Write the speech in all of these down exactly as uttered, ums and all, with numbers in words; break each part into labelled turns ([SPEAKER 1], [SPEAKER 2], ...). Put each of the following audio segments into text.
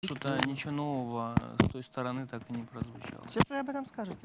[SPEAKER 1] Что-то ничего нового с той стороны так и не прозвучало.
[SPEAKER 2] Сейчас вы об этом скажете.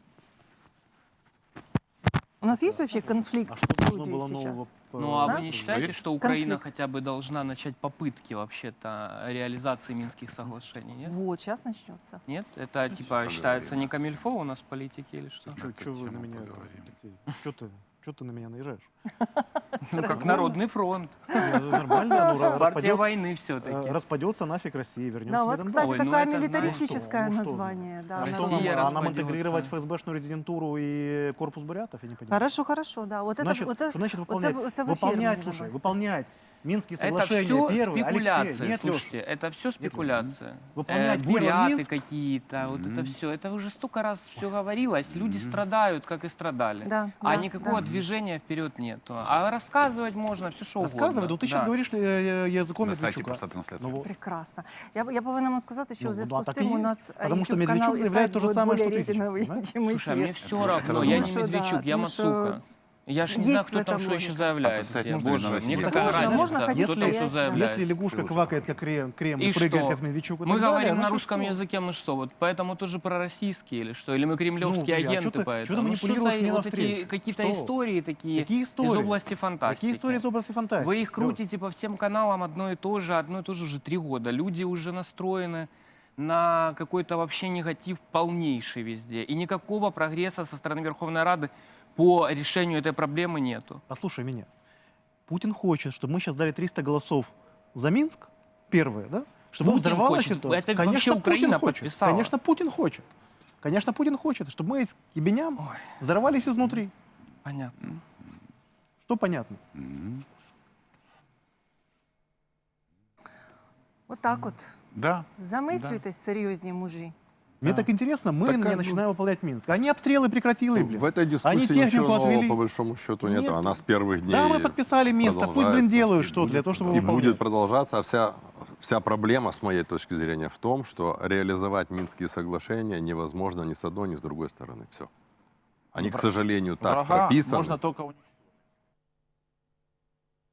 [SPEAKER 2] У нас есть вообще конфликт
[SPEAKER 3] А что
[SPEAKER 2] в
[SPEAKER 3] должно
[SPEAKER 2] Грузии
[SPEAKER 3] было
[SPEAKER 2] сейчас?
[SPEAKER 3] нового? по-
[SPEAKER 1] Ну, а
[SPEAKER 2] Да?
[SPEAKER 1] вы не считаете, что Украина
[SPEAKER 2] Конфликт.
[SPEAKER 1] хотя бы должна начать попытки вообще-то реализации Минских соглашений, нет?
[SPEAKER 2] Вот, сейчас начнется.
[SPEAKER 1] Нет? Это типа считается не камильфо у нас в политике или что?
[SPEAKER 3] Чё,
[SPEAKER 4] эту
[SPEAKER 3] чё вы на
[SPEAKER 4] тему
[SPEAKER 3] меня,
[SPEAKER 4] поговорим.
[SPEAKER 3] Алексей? Чё ты, чё ты на меня наезжаешь?
[SPEAKER 1] Ну, как Народный фронт.
[SPEAKER 3] Не, ну, Нормально, ну, ра-
[SPEAKER 1] Партия
[SPEAKER 3] распадёт-
[SPEAKER 1] войны
[SPEAKER 3] э,
[SPEAKER 1] все-таки.
[SPEAKER 3] распадется нафиг Россия, вернется
[SPEAKER 2] Да, у вас,
[SPEAKER 3] миром
[SPEAKER 2] кстати,
[SPEAKER 1] Ой, ну
[SPEAKER 2] такое
[SPEAKER 1] это знаешь,
[SPEAKER 2] милитаристическое
[SPEAKER 3] ну что, ну что
[SPEAKER 2] название. Да,
[SPEAKER 3] А что
[SPEAKER 1] Россия
[SPEAKER 3] нам,
[SPEAKER 2] нормально.
[SPEAKER 3] а нам
[SPEAKER 1] распадётся.
[SPEAKER 3] интегрировать ФСБшную резидентуру и корпус бурятов, я не понимаю.
[SPEAKER 2] Хорошо, хорошо, да. Вот это,
[SPEAKER 3] Значит,
[SPEAKER 2] вот это,
[SPEAKER 3] что значит
[SPEAKER 2] вот
[SPEAKER 3] выполнять?
[SPEAKER 2] это- вот это в эфир
[SPEAKER 3] Выполнять,
[SPEAKER 2] нужно
[SPEAKER 3] слушай,
[SPEAKER 2] бросить.
[SPEAKER 3] выполнять Минские
[SPEAKER 1] Это
[SPEAKER 3] соглашения
[SPEAKER 1] все
[SPEAKER 3] первые.
[SPEAKER 1] спекуляция,
[SPEAKER 3] Алексей, нет, Лёш,
[SPEAKER 1] слушайте, это все
[SPEAKER 3] Лёш,
[SPEAKER 1] спекуляция.
[SPEAKER 3] выполнять
[SPEAKER 1] Э,
[SPEAKER 3] первый
[SPEAKER 1] буряты
[SPEAKER 3] Минск.
[SPEAKER 1] какие-то, вот это все, это уже столько раз все говорилось, люди страдают, как и страдали.
[SPEAKER 2] Да,
[SPEAKER 1] а
[SPEAKER 2] да,
[SPEAKER 1] никакого
[SPEAKER 2] да.
[SPEAKER 1] движения вперед нету. А рассказывать можно все что угодно.
[SPEAKER 3] Рассказывай, ну ты сейчас
[SPEAKER 1] Да.
[SPEAKER 3] говоришь э, э, языком
[SPEAKER 4] На сайте
[SPEAKER 3] Медведчука.
[SPEAKER 4] просто трансляция.
[SPEAKER 3] Ну вот.
[SPEAKER 2] Прекрасно. Я, я повинна вам сказати, що
[SPEAKER 3] Ну,
[SPEAKER 2] у зв'язку
[SPEAKER 3] да,
[SPEAKER 2] з
[SPEAKER 3] так
[SPEAKER 2] цим
[SPEAKER 3] і
[SPEAKER 2] у
[SPEAKER 3] є.
[SPEAKER 2] нас
[SPEAKER 3] Потому що
[SPEAKER 2] YouTube-канал
[SPEAKER 3] Медведчук
[SPEAKER 2] і
[SPEAKER 3] заявляє
[SPEAKER 2] сайт
[SPEAKER 3] те же
[SPEAKER 2] будуть
[SPEAKER 3] самое,
[SPEAKER 2] более
[SPEAKER 3] что ты сейчас,
[SPEAKER 2] рейтингові,
[SPEAKER 3] понимаешь?
[SPEAKER 2] чим
[SPEAKER 1] Слушай, а мне
[SPEAKER 2] ефір.
[SPEAKER 1] все равно,
[SPEAKER 4] Потому
[SPEAKER 1] я не
[SPEAKER 2] что, да,
[SPEAKER 1] Медведчук, я
[SPEAKER 2] потому что
[SPEAKER 1] Мацука. Я ж не
[SPEAKER 2] есть
[SPEAKER 1] знаю,
[SPEAKER 2] в
[SPEAKER 1] кто там
[SPEAKER 2] этом
[SPEAKER 1] что еще
[SPEAKER 2] логика.
[SPEAKER 1] заявляет.
[SPEAKER 4] А представь,
[SPEAKER 1] где.
[SPEAKER 4] можно
[SPEAKER 1] Боже,
[SPEAKER 4] даже
[SPEAKER 1] мне
[SPEAKER 4] не
[SPEAKER 1] какая
[SPEAKER 2] Можно,
[SPEAKER 1] разница,
[SPEAKER 2] можно ходить
[SPEAKER 1] кто там что
[SPEAKER 2] стоять, да.
[SPEAKER 1] заявляет.
[SPEAKER 3] Если лягушка
[SPEAKER 4] Лёша.
[SPEAKER 3] квакает, как крем, крем
[SPEAKER 1] И
[SPEAKER 3] и прыгает,
[SPEAKER 1] что?
[SPEAKER 3] как Медведчук, и
[SPEAKER 1] Мы
[SPEAKER 3] так
[SPEAKER 1] говорим
[SPEAKER 3] далее,
[SPEAKER 1] на
[SPEAKER 3] значит,
[SPEAKER 1] русском
[SPEAKER 3] что?
[SPEAKER 1] языке, мы что, вот поэтому тоже пророссийские или что? Или мы кремлевские
[SPEAKER 3] Ну, а
[SPEAKER 1] агенты
[SPEAKER 3] чё ты-
[SPEAKER 1] поэтому?
[SPEAKER 3] чё ты
[SPEAKER 1] Ну, что
[SPEAKER 3] манипулируешь
[SPEAKER 1] за
[SPEAKER 3] мне
[SPEAKER 1] вот
[SPEAKER 3] навстречу?
[SPEAKER 1] эти какие-то
[SPEAKER 3] Что?
[SPEAKER 1] истории такие
[SPEAKER 3] Какие
[SPEAKER 1] из
[SPEAKER 3] истории?
[SPEAKER 1] области фантастики?
[SPEAKER 3] Какие истории из области фантастики?
[SPEAKER 1] Вы их
[SPEAKER 3] Лёш,
[SPEAKER 1] крутите по всем каналам одно и то же, одно и то же уже три года. Люди уже настроены на какой-то вообще негатив полнейший везде. И никакого прогресса со стороны Верховной Рады по решению этой проблемы нету.
[SPEAKER 3] Послушай меня. Путин хочет, чтобы мы сейчас дали триста голосов за Минск, первые, да? Чтобы
[SPEAKER 1] Путин
[SPEAKER 3] взорвалась
[SPEAKER 1] хочет.
[SPEAKER 3] ситуация.
[SPEAKER 1] Это
[SPEAKER 3] Конечно,
[SPEAKER 1] вообще
[SPEAKER 3] Путин
[SPEAKER 1] Украина
[SPEAKER 3] хочет.
[SPEAKER 1] подписала.
[SPEAKER 3] Конечно, Путин хочет. Конечно, Путин хочет, чтобы мы с ебеням взорвались изнутри.
[SPEAKER 1] Понятно.
[SPEAKER 3] Что понятно?
[SPEAKER 2] Отак от.
[SPEAKER 4] Да.
[SPEAKER 2] Замислюйтесь, серйозні мужі.
[SPEAKER 3] Мне так интересно, мы
[SPEAKER 4] Так,
[SPEAKER 3] не
[SPEAKER 4] а, ну-
[SPEAKER 3] начинаем выполнять Минск. Они обстрелы прекратили, блин.
[SPEAKER 5] В этой дискуссии
[SPEAKER 3] Они технику
[SPEAKER 5] ничего нового,
[SPEAKER 3] отвели.
[SPEAKER 5] по большому счету нет.
[SPEAKER 3] Нет.
[SPEAKER 5] Она с первых дней
[SPEAKER 3] Да, мы подписали Минск, а пусть, блин,
[SPEAKER 5] продолжается.
[SPEAKER 3] делают
[SPEAKER 5] И
[SPEAKER 3] что
[SPEAKER 5] будет
[SPEAKER 3] для того, чтобы
[SPEAKER 5] И
[SPEAKER 3] выполнять.
[SPEAKER 5] будет продолжаться. А вся, вся проблема, с моей точки зрения, в том, что реализовать Минские соглашения невозможно ни с одной, ни с другой стороны. Все. Они, к сожалению, так
[SPEAKER 4] Врага
[SPEAKER 5] прописаны.
[SPEAKER 4] можно только уничтожить.